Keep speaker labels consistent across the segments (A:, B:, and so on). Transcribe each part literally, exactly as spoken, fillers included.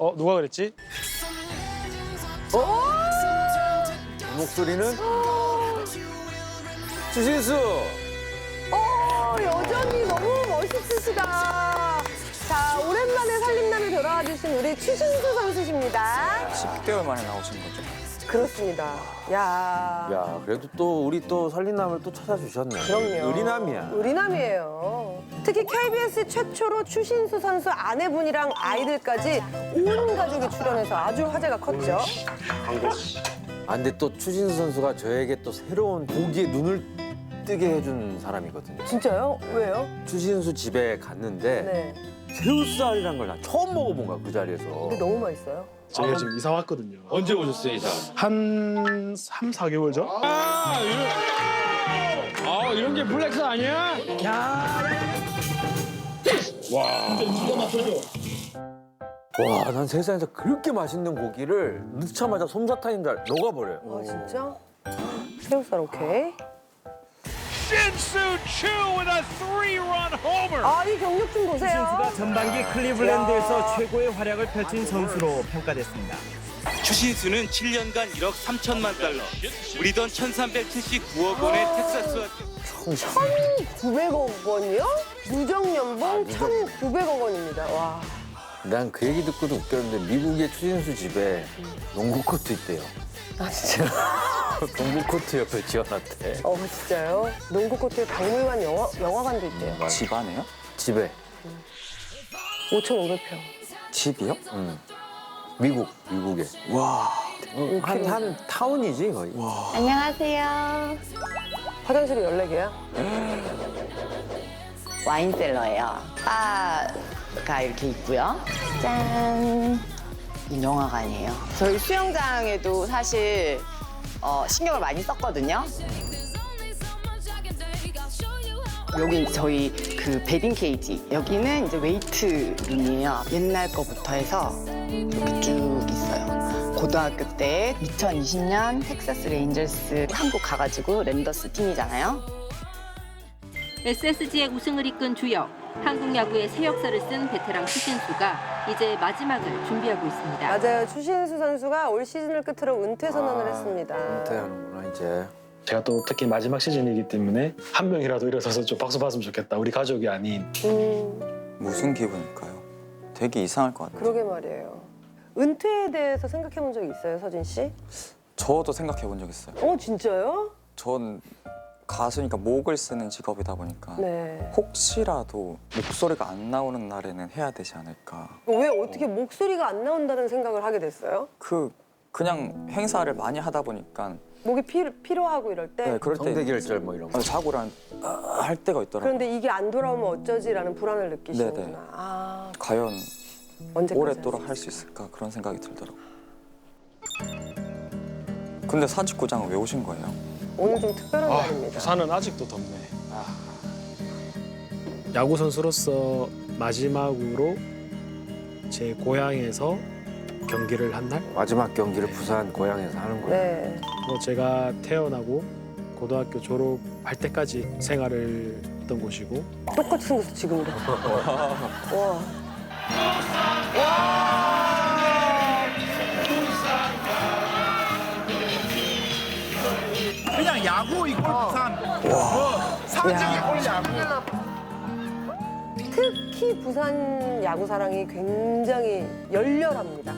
A: 어 누가 그랬지?
B: 그 목소리는 추신수.
C: 어, 여전히 너무 멋있으시다. 자, 오랜만에 살림남에 돌아와 주신 우리 추신수 선수십니다.
D: 십 개월 만에 나오신 거죠?
C: 그렇습니다. 야,
B: 야, 그래도 또 우리 또 살림남을 또 찾아주셨네.
C: 그럼요.
B: 의리남이야.
C: 의리남이에요. 특히 케이비에스 최초로 추신수 선수 아내분이랑 아이들까지 온 가족이 출연해서 아주 화제가 컸죠.
B: 아, 근데 또 추신수 선수가 저에게 또 새로운 고기에 눈을 뜨게 해준 사람이거든요.
C: 진짜요? 왜요?
B: 추신수 집에 갔는데
C: 네.
B: 새우살이란 걸 나 처음 먹어본 거야, 그 자리에서.
C: 근데 너무 맛있어요.
A: 저희가 지금 이사 왔거든요.
E: 언제 오셨어요, 이사?
A: 한 삼, 사 개월 전?
E: 아, 이런, 아, 이런 게 블랙스 아니야? 야, 와.
B: 와, 난 세상에서 그렇게 맛있는 고기를 넣자마자 솜사탕인 줄 알, 녹아버려요.
C: 아, 진짜? 새우살 오케이.
F: Shin-Soo Choo with a three-run homer.
C: 아, 이 경력 좀 보세요.
G: 추신수가 전반기 클리블랜드에서 최고의 활약을 펼친 선수로 평가됐습니다.
H: 추신수는 칠 년간 일억 삼천만 달러, 우리 돈 천삼백칠십구억 원의 텍사스와
C: 천구백억 원이요? 누적 연봉 천구백억 원입니다. 와.
B: 난 그 얘기 듣고도 웃겼는데 미국의 추신수 집에 농구 코트 있대요.
C: 아, 진짜?
B: 농구 코트 옆에 지어놨대.
C: 어, 진짜요? 농구 코트에 박물관 영화, 영화관도 있대요.
D: 집 안에요?
B: 집에.
C: 오천오백 평.
D: 집이요?
B: 응. 미국, 미국에. 와. 한, 한 타운이지, 거의. 와.
I: 안녕하세요.
C: 화장실이 열네 개야?
I: 와인셀러예요. 바가 이렇게 있고요. 짠. 이 영화관이에요. 저희 수영장에도 사실 어, 신경을 많이 썼거든요. 여기 저희 그 베딩 케이지. 여기는 이제 웨이트 룸이에요. 옛날 거부터 해서 이렇게 쭉 있어요. 고등학교 때 이천이십 년 텍사스 레인저스 한국 가가지고 랜더스 팀이잖아요.
J: 에스에스지의 우승을 이끈 주역, 한국 야구의 새 역사를 쓴 베테랑 추신수가 이제 마지막을 준비하고 있습니다.
C: 맞아요. 추신수 선수가 올 시즌을 끝으로 은퇴 선언을
B: 아,
C: 했습니다.
B: 은퇴하는구나, 이제.
A: 제가 또 특히 마지막 시즌이기 때문에 한 명이라도 일어서서 좀 박수 받으면 좋겠다. 우리 가족이 아닌.
C: 음,
D: 무슨 기분일까요? 되게 이상할 것 같아요.
C: 그러게 말이에요. 은퇴에 대해서 생각해 본 적 있어요, 서진 씨?
D: 저도 생각해 본 적 있어요.
C: 어, 진짜요?
D: 전 가수니까 목을 쓰는 직업이다 보니까
C: 네.
D: 혹시라도 목소리가 안 나오는 날에는 해야 되지 않을까.
C: 왜 어떻게 목소리가 안 나온다는 생각을 하게 됐어요?
D: 그 그냥 행사를 많이 하다 보니까
C: 목이 피, 필요하고 이럴 때?
D: 네, 그럴 때
B: 성대결절 뭐 이런 거.
D: 어, 자고란 아, 할 때가 있더라고요.
C: 그런데 이게 안 돌아오면 어쩌지라는 불안을 느끼시는구나.
D: 네네.
C: 아,
D: 과연
C: 언제까지
D: 오랫도록 할 수 있을까 그런 생각이 들더라고요. 근데 사직구장은 왜 오신 거예요?
C: 오늘 좀 특별한
A: 아,
C: 날입니다.
A: 부산은 아직도 덥네. 아. 야구 선수로서 마지막으로 제 고향에서 경기를 한 날.
B: 마지막 경기를 부산 고향에서 하는 거예요.
C: 네.
A: 뭐 제가 태어나고 고등학교 졸업할 때까지 생활을 했던 곳이고
C: 똑같이 생겼어, 지금도. 와.
F: 그냥 야구 이골 부산. 뭐 사직이 올 야구.
C: 특히 부산 야구 사랑이 굉장히 열렬합니다.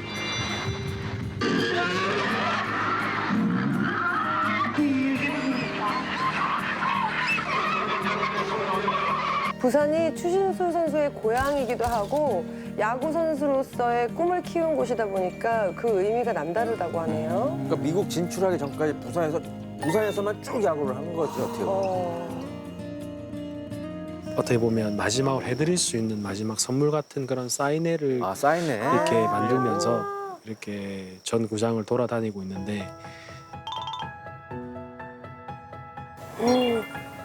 C: 부산이 추신수 선수의 고향이기도 하고 야구 선수로서의 꿈을 키운 곳이다 보니까 그 의미가 남다르다고 하네요.
B: 그러니까 미국 진출하기 전까지 부산에서, 부산에서만 쭉 야구를 한 거죠, 어떻게 보면.
C: 어,
A: 어떻게 보면 마지막으로 해드릴 수 있는 마지막 선물 같은 그런 사인회를
B: 아, 사인회.
A: 이렇게 만들면서 이렇게 전 구장을 돌아다니고 있는데
C: 음.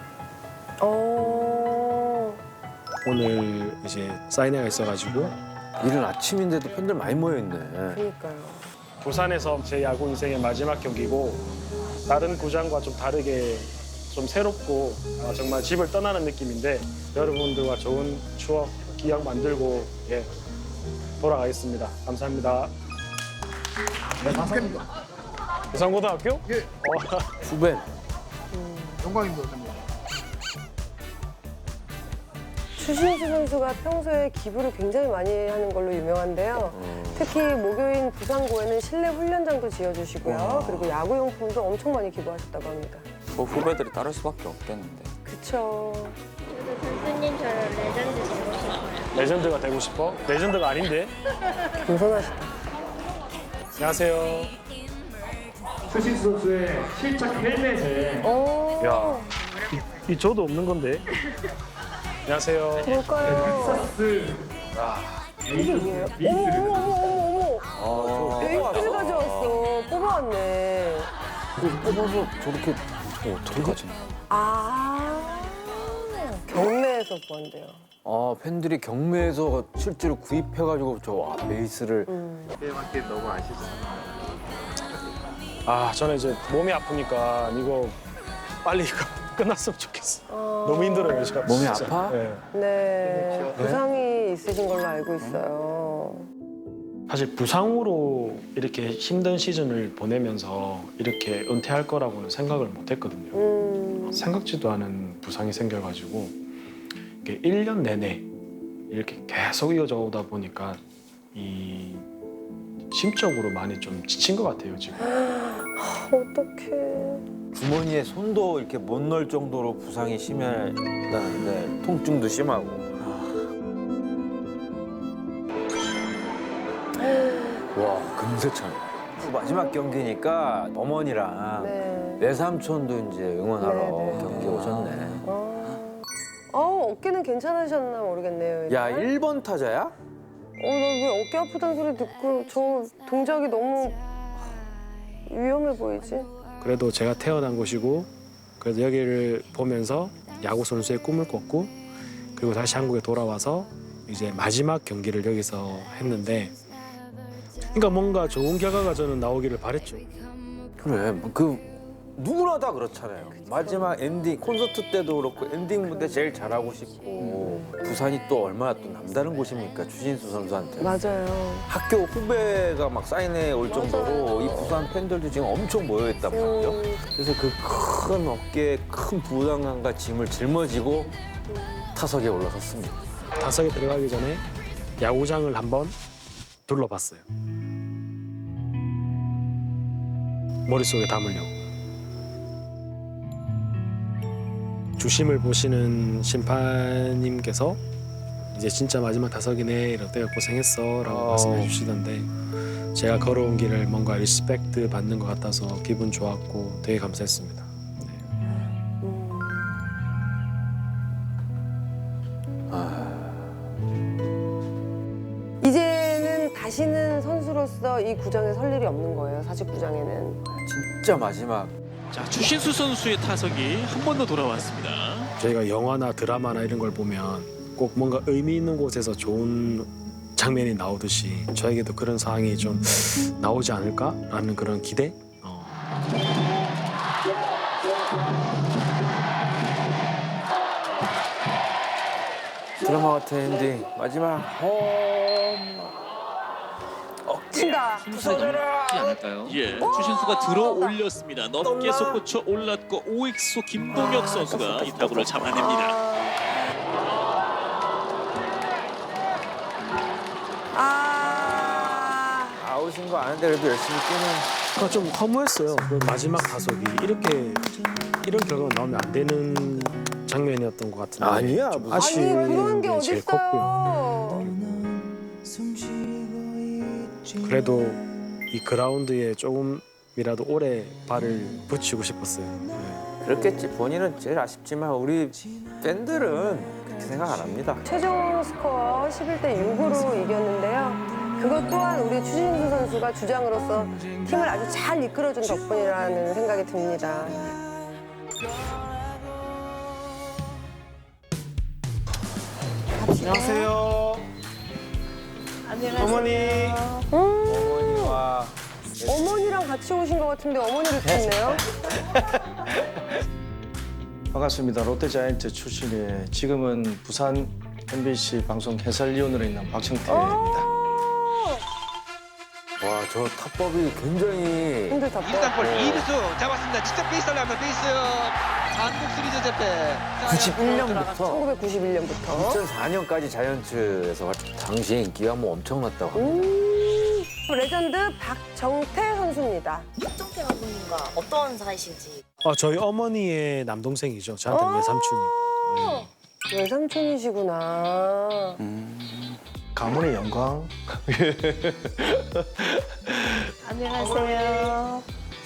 C: 어.
A: 오늘 이제 사인회가 있어가지고
B: 이른 아침인데도 팬들 많이 모여있네.
C: 그러니까요.
A: 부산에서 제 야구 인생의 마지막 경기고 다른 구장과 좀 다르게 좀 새롭고 아, 정말 집을 떠나는 느낌인데 여러분들과 좋은 추억, 기억 만들고 예, 돌아가겠습니다. 감사합니다.
F: 축하합니다.
A: 부산고등학교?
F: 예,
A: 어,
B: 후배.
F: 영광입니다. 선생님.
C: 추신수 선수가 평소에 기부를 굉장히 많이 하는 걸로 유명한데요. 특히 모교인 부산고에는 실내 훈련장도 지어주시고요. 그리고 야구용품도 엄청 많이 기부하셨다고 합니다.
D: 그 후배들이 따를 수밖에 없겠는데.
C: 그쵸.
K: 교수님처럼 레전드 되고 싶어요.
A: 레전드가 되고 싶어? 레전드가 아닌데?
C: 겸손하시다.
A: 안녕하세요.
L: 추신수 선수의 실착 헬멧에
C: 오,
A: 야, 이, 이 저도 없는 건데. 안녕하세요.
C: 뭘까요? 이게 뭐예요? 어머, 어머, 어머, 어머, 어머. 베이스를 가져왔어. 뽑아왔네.
B: 뽑아서 저렇게 어, 어떻게 가지?
C: 아, 경매에서 구한대요.
B: 아 팬들이 경매에서 실제로 구입해가지고 저 와, 베이스를
F: 게임한테 너무 아시죠?
A: 아, 저는 이제 몸이 아프니까 이거 빨리 끝났으면 좋겠어.
C: 어...
A: 너무 힘들어요, 제가.
B: 몸이
A: 진짜.
B: 아파?
A: 네.
C: 네, 부상이 있으신 걸로 알고 있어요.
A: 사실 부상으로 이렇게 힘든 시즌을 보내면서 이렇게 은퇴할 거라고는 생각을 못 했거든요.
C: 음,
A: 생각지도 않은 부상이 생겨가지고 이게 일 년 내내 이렇게 계속 이어져 오다 보니까 이 심적으로 많이 좀 지친 것 같아요, 지금.
C: 어떡해.
B: 주머니에 손도 이렇게 못 넣을 정도로 부상이 심하다는데 통증도 심하고. 와 금세찬. 마지막 경기니까 어머니랑
C: 네.
B: 외삼촌도 이제 응원하러
C: 네, 네.
B: 경기 오셨네.
C: 어, 어, 어깨는 괜찮으셨나 모르겠네요.
B: 야
C: 일단.
B: 일 번 타자야?
C: 어, 나 왜 어깨 아프다는 소리 듣고 저 동작이 너무 위험해 보이지?
A: 그래도 제가 태어난 곳이고 그래도 여기를 보면서 야구 선수의 꿈을 꿨고 그리고 다시 한국에 돌아와서 이제 마지막 경기를 여기서 했는데 그러니까 뭔가 좋은 결과가 저는 나오기를 바랬죠.
B: 그래 그 누구나 다 그렇잖아요. 마지막 엔딩 콘서트 때도 그렇고 엔딩 무대 제일 잘하고 싶고 부산이 또 얼마나 또 남다른 곳입니까 추신수 선수한테.
C: 맞아요.
B: 학교 후배가 막 사인회 올 정도로 이 부산 팬들도 지금 엄청 모여 있단 말이죠.
C: 음,
B: 그래서 그 큰 어깨에 큰 부담감과 짐을 짊어지고 타석에 올라섰습니다.
A: 타석에 들어가기 전에 야구장을 한번 둘러봤어요. 머릿속에 담으려고. 주심을 보시는 심판님께서 이제 진짜 마지막 타석이네 이럴 때가 고생했어 라고
B: 어.
A: 말씀해 주시던데 제가 걸어온 길을 뭔가 리스펙트 받는 것 같아서 기분 좋았고 되게 감사했습니다. 네.
C: 음. 이제는 다시는 선수로서 이 구장에 설 일이 없는 거예요. 사직구장에는.
B: 진짜 마지막.
M: 자, 추신수 선수의 타석이 한 번 더 돌아왔습니다.
A: 저희가 영화나 드라마나 이런 걸 보면 꼭 뭔가 의미 있는 곳에서 좋은 장면이 나오듯이 저에게도 그런 상황이 좀 나오지 않을까라는 그런 기대? 어.
B: 드라마 같은 엔딩 마지막 홈
C: 친다.
M: 부서져라. 않을까요? 예, 추신수가 들어 올렸습니다. 높게 솟구쳐 올랐고 오익수 김동혁 선수가 이 타구를 잡아냅니다.
C: 아,
B: 아웃인 거 아는데 그래도 열심히 뛰는.
A: 그러니까 좀 허무했어요. 그 마지막 타석이 이렇게 이런 결과가 나오면 안 되는 장면이었던 것 같은데
B: 아니야,
A: 좀
B: 무슨-
C: 아니
A: 아쉬운
C: 그런 게
A: 제일 컸고요.
C: 어딨어요.
A: 그래도 이 그라운드에 조금이라도 오래 발을 붙이고 싶었어요. 네.
B: 그렇겠지. 본인은 제일 아쉽지만 우리 팬들은 그렇게 생각 안 합니다.
C: 최종 스코어 십일 대 육으로 이겼는데요. 그것 또한 우리 추신수 선수가 주장으로서 팀을 아주 잘 이끌어준 덕분이라는 생각이 듭니다.
A: 안녕하세요. 어머니.
C: 음,
B: 어머니와
C: 어머니랑 같이 오신 것 같은데 어머니를 찾네요.
L: 반갑습니다. 롯데자이언트 출신의 지금은 부산 엠비씨 방송 해설위원으로 있는 박청태입니다.
B: 저 타법이 굉장히
C: 힘들 타법.
N: 일단 이루수 잡았습니다. 진짜 베이스를 하면 베이스 한국 시리즈 대패.
B: 구십일 년부터
C: 천구백구십일 년부터
B: 이천사 년까지 자이언츠에서 당시에 인기가 뭐 엄청났다고 합니다.
C: 음, 레전드 박정태 선수입니다.
O: 박정태 감독님과 어떤 사이신지.
A: 어, 저희 어머니의 남동생이죠. 저한테 외삼촌이. 네.
C: 외삼촌이시구나.
L: 가문의 영광.
O: 안녕하세요.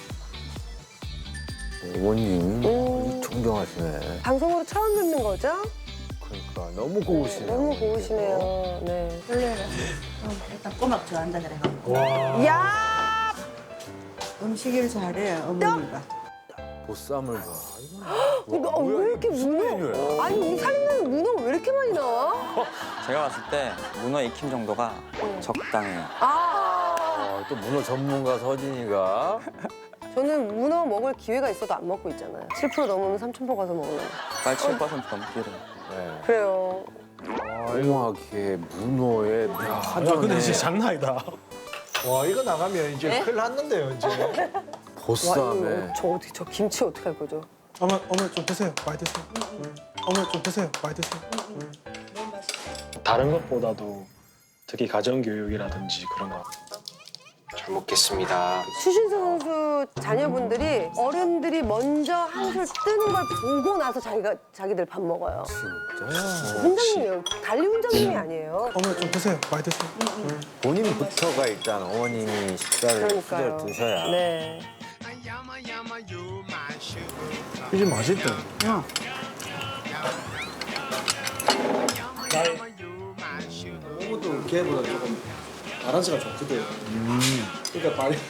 B: 어머님
C: 음.
B: 존경하시네.
C: 방송으로 처음 듣는 거죠?
B: 그러니까 너무 고우시네요.
C: 너무 고우시네요. 네.
O: 원래는 일단 꼬막 좋아한다는 애가.
A: 와.
C: 야!
O: 음식을 잘해 어머니가.
B: 보쌈을 봐.
C: 너 왜 이렇게 문어? 아니 이 살인자는 문어가 왜 이렇게 많이 나와?
D: 제가 봤을 때 문어 익힘 정도가 적당해요.
C: 아,
B: 아, 또 문어 전문가 서진이가
C: 저는 문어 먹을 기회가 있어도 안 먹고 있잖아요. 칠 퍼센트 넘으면 삼천포 가서 먹으려고.
D: 빨리 칠 퍼센트 넘기를.
B: 네.
C: 그래요.
B: 조용하게 문어에
A: 아,
B: 파전에
A: 근데 진짜 장난 아니다.
L: 와 이거 나가면 이제
C: 네?
L: 큰일 났는데요 이제.
B: 보쌈에
C: 와, 이거 저 어떻게 저 김치 어떻게 할 거죠?
L: 어머 어머 좀 드세요. 많이 드세요. 어머 좀 드세요. 많이 드세요.
A: 다른 것보다도 특히 가정교육이라든지 그런 거. 잘 먹겠습니다.
C: 추신수 선수 자녀분들이 어른들이 먼저 한술 뜨는 걸 보고 나서 자기가 자기들 밥 먹어요.
B: 진짜
C: 훈장님이에요. 달리 훈장님이 아니에요.
L: 어머 좀 드세요. 많이 드세요.
B: 본인부터가 일단 어머님이 식사를
C: 그러니까요.
B: 수저를 드셔야
C: 네.
L: 이게 맛있다.
O: 응.
L: 너무도 걔보다 조금 바란스가 좋거든. 음. 그러니까 발이.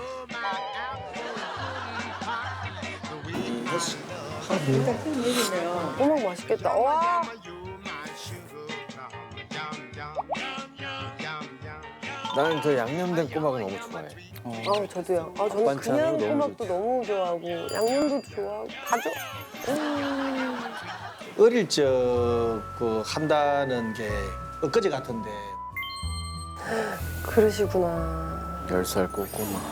C: 어머 맛있겠다. 와.
B: 나는 저 양념된 꼬막을 너무 좋아해.
C: 아 저도요. 아 저는
B: 반찬으로
C: 그냥
B: 너무
C: 꼬막도 너무 좋아하고 양념도 좋아하고 다 좋아. 음.
L: 어릴 적 그 한다는 게 엊그제 같은데
C: 그러시구나.
B: 열 살 꼬꼬마.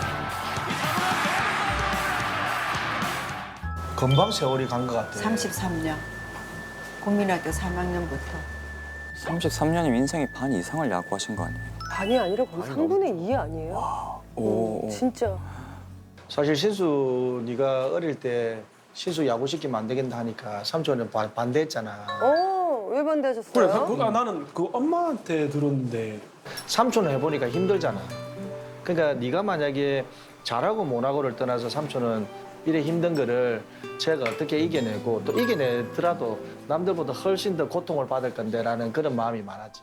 L: 금방 세월이 간 것 같아.
O: 삼십삼 년. 국민학교 삼 학년부터.
D: 삼십삼 년이면 인생의 반 이상을 야구하신 거 아니에요?
C: 반이 아니라 거의 삼분의 이 아니에요?
D: 오.
C: 음, 진짜.
L: 사실 신수 네가 어릴 때 신수 야구 시키면 안 되겠다 하니까 삼촌은 반- 반대했잖아.
C: 어, 왜 반대하셨어요?
A: 그래, 그, 아, 나는 그 엄마한테 들었는데
L: 삼촌은 해보니까 힘들잖아. 그러니까 네가 만약에 잘하고 못하고를 떠나서 삼촌은 이래 힘든 거를 제가 어떻게 이겨내고 또 이겨내더라도 남들보다 훨씬 더 고통을 받을 건데라는 그런 마음이 많았지.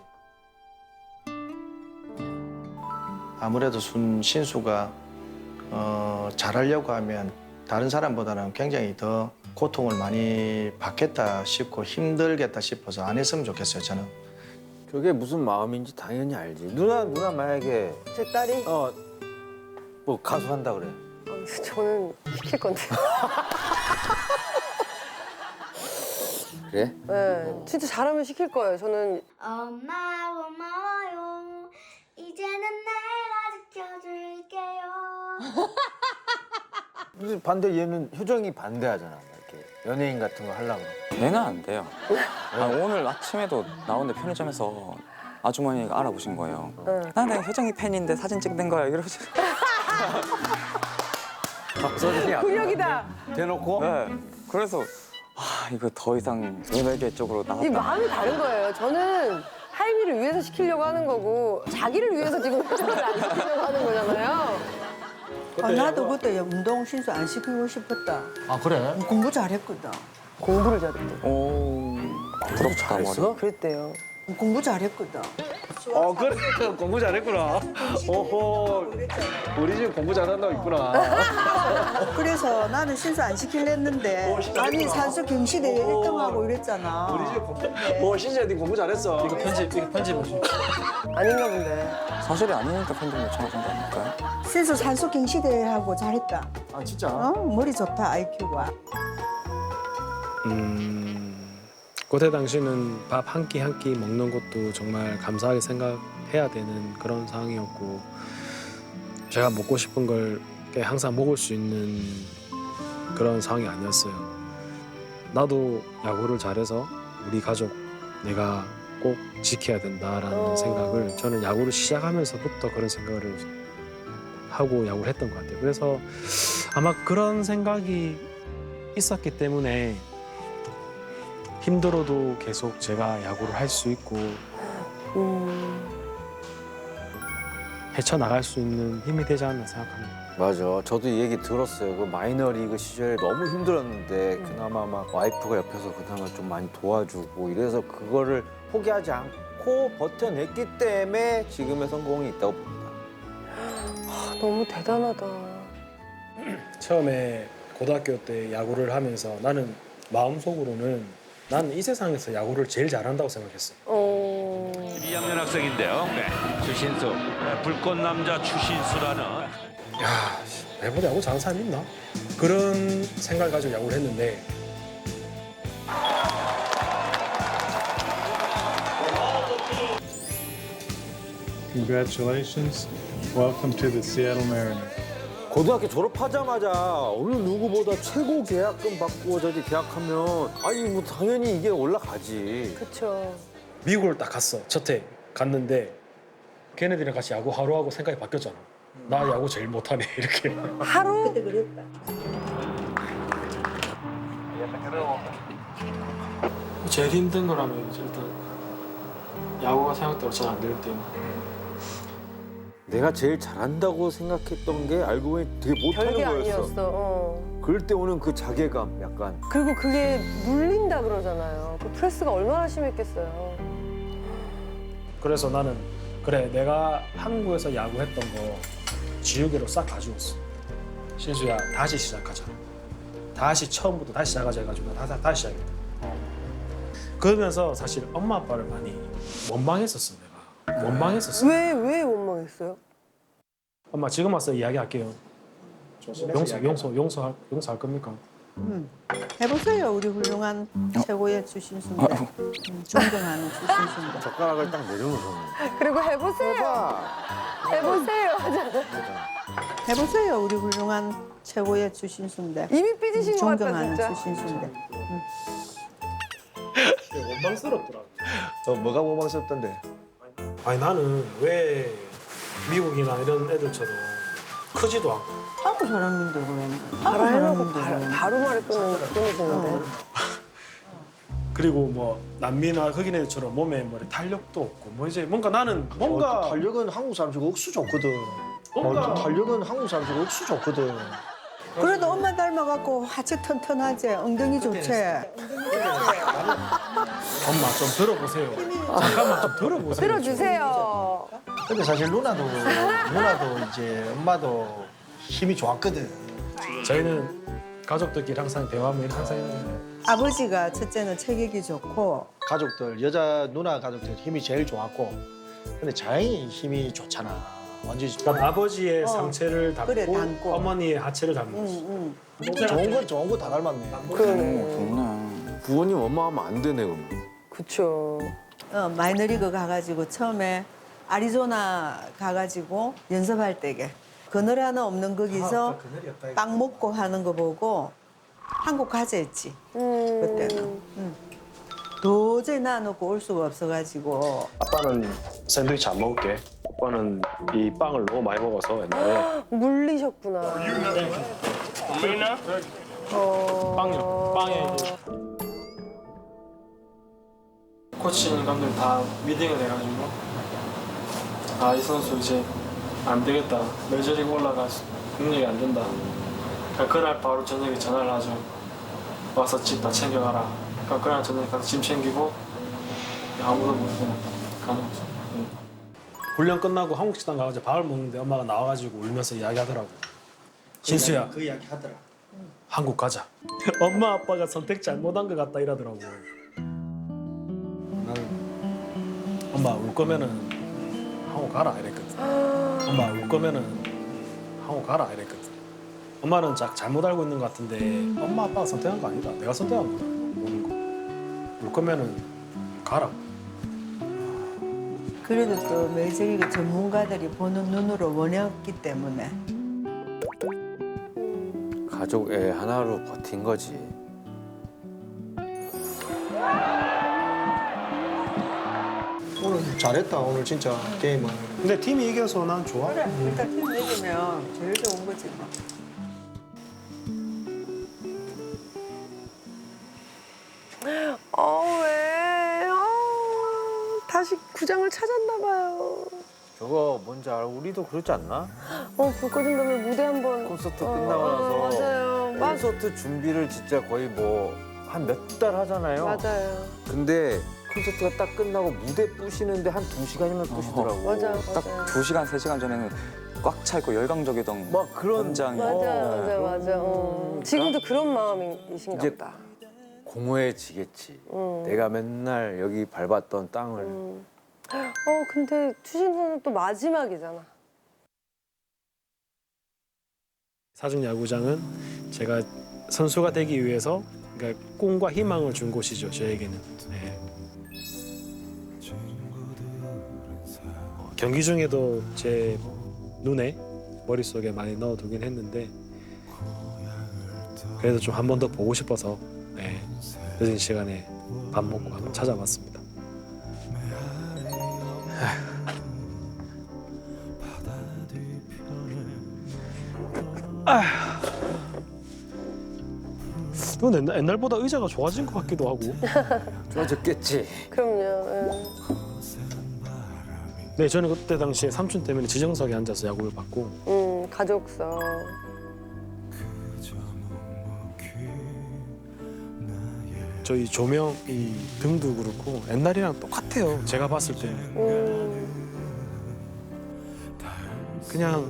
L: 아무래도 순 신수가 어, 잘하려고 하면 다른 사람보다는 굉장히 더 고통을 많이 받겠다 싶고 힘들겠다 싶어서 안 했으면 좋겠어요, 저는.
B: 그게 무슨 마음인지 당연히 알지. 누나 누나 만약에
C: 제 딸이?
B: 어 뭐 가수 한다 그래.
C: 어, 저는 시킬 건데.
B: 그래?
C: 네, 진짜 잘하면 시킬 거예요. 저는
K: 엄마 고마워요. 이제는 내가 지켜줄게요.
B: 근데 반대 얘는 효정이 반대하잖아. 이렇게 연예인 같은 거 하려고.
D: 걔는 안 돼요. 아, 오늘 아침에도 나오는데 편의점에서 아주머니가 알아보신 거예요.
C: 응.
D: 나 내가 효정이 팬인데 사진 찍는 거야 이러시.
B: 박서진이
C: 근력이다.
B: 대놓고?
D: 네. 그래서 아 이거 더 이상 연예계 쪽으로
C: 이
D: 나갔다.
C: 마음이 다른 거예요. 저는 하이미를 위해서 시키려고 하는 거고 자기를 위해서 지금 회장을 안 시키려고 하는 거잖아요.
O: 아, 나도 그때 운동 신수 안 시키고 싶었다.
L: 아 그래?
O: 공부 잘했거든.
C: 공부를 잘했대.
D: 오 부럽다 머리.
C: 그랬대요.
O: 공부 잘했거든.
L: 어 그래 공부 잘했구나. 오호 우리 집 공부 잘한다고 있구나.
O: 그래서 나는 신수 안 시킬랬는데 아니 산수 경시대회 일 등하고 이랬잖아.
L: 우리 집 공부. 오 신지야 네 공부 잘했어. 이거 편집 이거 편집해줘.
C: 아닌가 본데.
D: 사실이 아니니까 팬들 요청하신 거 아닐까요?
O: 신수 산수 경시대회하고 잘했다.
L: 아 진짜?
O: 어? 머리 좋다 아이큐가.
A: 음, 그때 당시는 밥 한 끼 한 끼 먹는 것도 정말 감사하게 생각해야 되는 그런 상황이었고 제가 먹고 싶은 걸 항상 먹을 수 있는 그런 상황이 아니었어요. 나도 야구를 잘해서 우리 가족 내가 꼭 지켜야 된다라는
C: 어.
A: 생각을 저는 야구를 시작하면서부터 그런 생각을 하고 야구를 했던 것 같아요. 그래서 아마 그런 생각이 있었기 때문에 힘들어도 계속 제가 야구를 할 수 있고
C: 음.
A: 헤쳐나갈 수 있는 힘이 되지 않나 생각합니다.
B: 맞아. 저도 이 얘기 들었어요. 그 마이너리그 시절에 너무 힘들었는데 그나마 막 와이프가 옆에서 그나마 좀 많이 도와주고 이래서 그거를 포기하지 않고 버텨냈기 때문에 지금의 성공이 있다고 봅니다.
C: 아, 너무 대단하다.
A: 처음에 고등학교 때 야구를 하면서 나는 마음속으로는 나는 이 세상에서 야구를 제일 잘한다고 생각했어.
C: 어...
E: 이 학년 학생인데요. 네. 추신수. 네, 불꽃 남자 추신수라는.
A: 야, 내보다 야구 잘하는 사람이 있나? 그런 생각을 가지고 야구를 했는데
P: Congratulations. Welcome to the Seattle Mariners.
B: 고등학교 졸업하자마자 어느 누구보다 최고 계약금 받고 저기 계약하면 아니 뭐 당연히 이게 올라가지.
C: 그렇죠.
A: 미국을 딱 갔어. 첫 해 갔는데 걔네들이랑 같이 야구 하루 하고 생각이 바뀌었잖아. 나 야구 제일 못하네 이렇게.
C: 하루? 그때 그랬다.
A: 제일 힘든 거라면 일단 야구가 생각대로 잘 안 될 때.
B: 내가 제일 잘한다고 생각했던 게 알고 보니 되게 못하는
C: 별게
B: 거였어.
C: 아니었어. 어.
B: 그럴 때 오는 그 자괴감 약간.
C: 그리고 그게 눌린다 그러잖아요. 그 프레스가 얼마나 심했겠어요.
A: 그래서 나는 그래 내가 한국에서 야구했던 거 지우개로 싹 가져왔어. 신수야 다시 시작하자. 다시 처음부터 다시 시작하자 해가지고 나 다시, 다시 시작했다. 그러면서 사실 엄마 아빠를 많이 원망했었어 내가. 원망했었어.
C: 왜, 왜 원망했어요?
A: 엄마 지금 와서 이야기할게요. 용서, 용서, 용서할, 용서할 겁니까?
O: 음. 해보세요. 우리 훌륭한 최고의 추신수인데. 음, 존경하는 추신수인데.
B: 젓가락을 딱 내려놓으셨네.
C: 그리고 해보세요. 해보세요.
O: 해보세요. 우리 훌륭한 최고의 추신수인데.
C: 이미 삐지신 것 같다,
O: 존경하는
C: 진짜.
O: 추신수인데. 음.
A: 원망스럽더라고.
L: 어, 뭐가 원망스럽던데?
A: 아니 나는 왜 미국이나 이런 애들처럼 크지도 않고
O: 하고 잘하는데 그러면.
C: 바로 해놓고 바로, 바로 말을 끊는, 끊으시는데.
A: 그리고 뭐 남미나 흑인 애들처럼 몸에 뭐 탄력도 없고 뭐 이제 뭔가 나는 뭔가
L: 어, 탄력은 한국 사람 중에 억수 좋거든.
A: 뭔가
L: 어, 탄력은 한국 사람 중에 억수 좋거든.
O: 그래도 엄마 닮아갖고 하체 튼튼하지. 엉덩이 좋지.
A: 엄마 좀 들어보세요. 잠깐만 좀 들어보세요.
C: 들어주세요.
L: 근데 사실 누나도 누나도 이제 엄마도 힘이 좋았거든.
A: 저희는 가족들끼리 항상 대화하면 항상 했는데
O: 아버지가 첫째는 체격이 좋고
L: 가족들 여자 누나 가족들 힘이 제일 좋았고, 근데 자연히 힘이 좋잖아. 완전
A: 그러니까 아버지의
O: 어.
A: 상체를 닮고,
O: 그래, 닮고.
A: 어머니의 하체를 닮았어.
O: 응,
L: 좋은 건 좋은 거 다 닮았네.
C: 그러네.
B: 부모님 원망하면 안 되네 그러면.
C: 그쵸.
O: 어, 마이너리그 가가지고 처음에 아리조나 가가지고 연습할 때게 그늘 하나 없는 거기서 빵 먹고 하는 거 보고 한국 가자 했지.
C: 음.
O: 그때는. 응. 도저히 놔놓고 올 수가 없어가지고.
A: 아빠는 샌드위치 안 먹을게. 오빠는 이 빵을 너무 많이 먹어서 옛날에
C: 물리셨구나. 어...
A: 빵이요. 빵에 이제 코치님 감독님 다 미팅을 해가지고 아 이 선수 이제 안 되겠다. 메이저리그 올라가 능력이 안 된다. 그러니까 그날 바로 저녁에 전화를 하죠. 와서 집 다 챙겨가라. 그러니까 그날 저녁에 가서 짐 챙기고 아무도 못 보고 가는 거죠. 응. 훈련 끝나고 한국 식당 가가지고 밥을 먹는데 엄마가 나와가지고 울면서 이야기하더라고. 신수야,
L: 그 이야기 하더라.
A: 한국 가자. 엄마 아빠가 선택 잘못한 것 같다 이러더라고. 나는 엄마 울 거면은 한국 가라 이랬거든. 엄마 울 거면은 한국 가라 이랬거든. 엄마는 자, 잘못 알고 있는 것 같은데 엄마 아빠가 선택한 거 아니다. 내가 선택한 거다. 오는 거. 울 거면은 가라.
O: 그래도 또 메이저리그 전문가들이 보는 눈으로 원했기 때문에
B: 가족의 하나로 버틴 거지.
L: 오늘 잘했다 오늘 진짜 게임은.
A: 근데 팀이 이겨서 난 좋아.
O: 그래 일단 팀 이기면 제일 좋은 거지 뭐.
C: 어, 왜? 어, 다시 구장을 찾았나 봐요.
B: 저거 뭔지 알아? 우리도 그렇지 않나?
C: 어, 불 꺼진 다음에 무대 한번
B: 콘서트
C: 어,
B: 끝나고 나서
C: 어, 맞아요. 맞,
B: 콘서트 준비를 진짜 거의 뭐 한 몇 달 하잖아요.
C: 맞아요.
B: 근데 콘서트가 딱 끝나고 무대 부시는데 한 두 시간이면 부시더라고.
C: 맞아요.
D: 딱 두 시간, 세 시간 전에는 꽉 차 있고 열광적이던
B: 막 그런
D: 현장이.
C: 맞아, 맞아, 맞아. 어. 지금도 그런 마음이신가
B: 이제
C: 보다.
B: 공허해지겠지.
C: 음.
B: 내가 맨날 여기 밟았던 땅을.
C: 음. 어, 근데 추신수는 또 마지막이잖아.
A: 사중 야구장은 제가 선수가 되기 위해서 그러니까 꿈과 희망을 준 곳이죠. 저에게는. 네. 어, 경기 중에도 제 눈에 머릿속에 많이 넣어두긴 했는데 그래도 좀 한 번 더 보고 싶어서 네, 늦은 시간에 밥 먹고 한번 찾아봤습니다. 아휴. 이건 옛날, 옛날보다 의자가 좋아진 것 같기도 하고.
B: 좋아졌겠지.
C: 그럼요. 예.
A: 네, 저는 그때 당시에 삼촌 때문에 지정석에 앉아서 야구를 봤고.
C: 음, 가족석.
A: 저희 조명, 이 등도 그렇고 옛날이랑 똑같아요. 제가 봤을 때는.
C: 음,
A: 그냥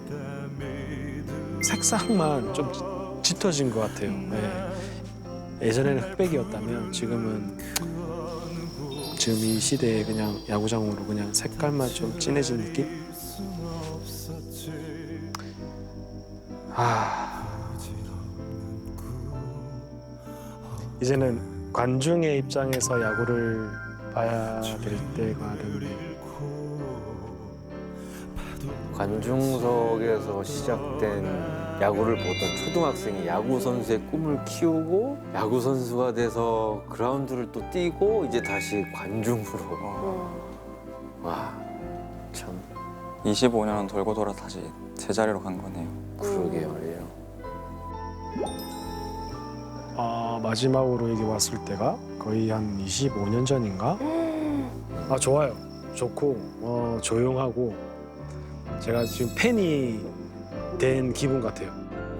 A: 색상만 좀 짙어진 것 같아요. 네. 예전에는 흑백이었다면 지금은 지금 이 시대에 그냥 야구장으로 그냥 색깔만 좀 진해진 느낌? 아. 이제는 관중의 입장에서 야구를 봐야 될 때가 됐네.
B: 관중석에서 시작된 야구를 보던 초등학생이 야구 선수의 꿈을 키우고 야구 선수가 돼서 그라운드를 또 뛰고 이제 다시 관중으로. 와, 참.
D: 이십오 년은 돌고 돌아 다시 제자리로 간 거네요.
B: 그러게 말이에요.
A: 아, 마지막으로 여기 왔을 때가 거의 한 이십오 년 전인가? 아, 좋아요. 좋고 어, 조용하고 제가 지금 팬이 된 기분 같아요.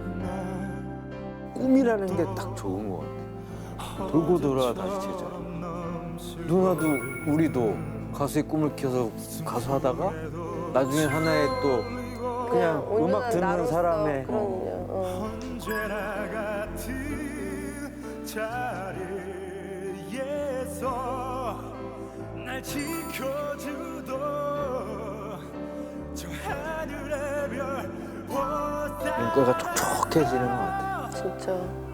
B: 꿈이라는 게 딱 좋은 것 같아. 돌고 돌아 다시 제자리. 누나도 우리도 가수의 꿈을 키워서 가수 하다가 나중에 하나의 또 그냥 음악 듣는
C: 나로서,
B: 사람의
C: 그럼요. 어.
F: 언제나 같은 자리에서 날 지켜주던 저 하늘의 별
B: 눈가가 촉촉해지는 것 같아.
C: 진짜.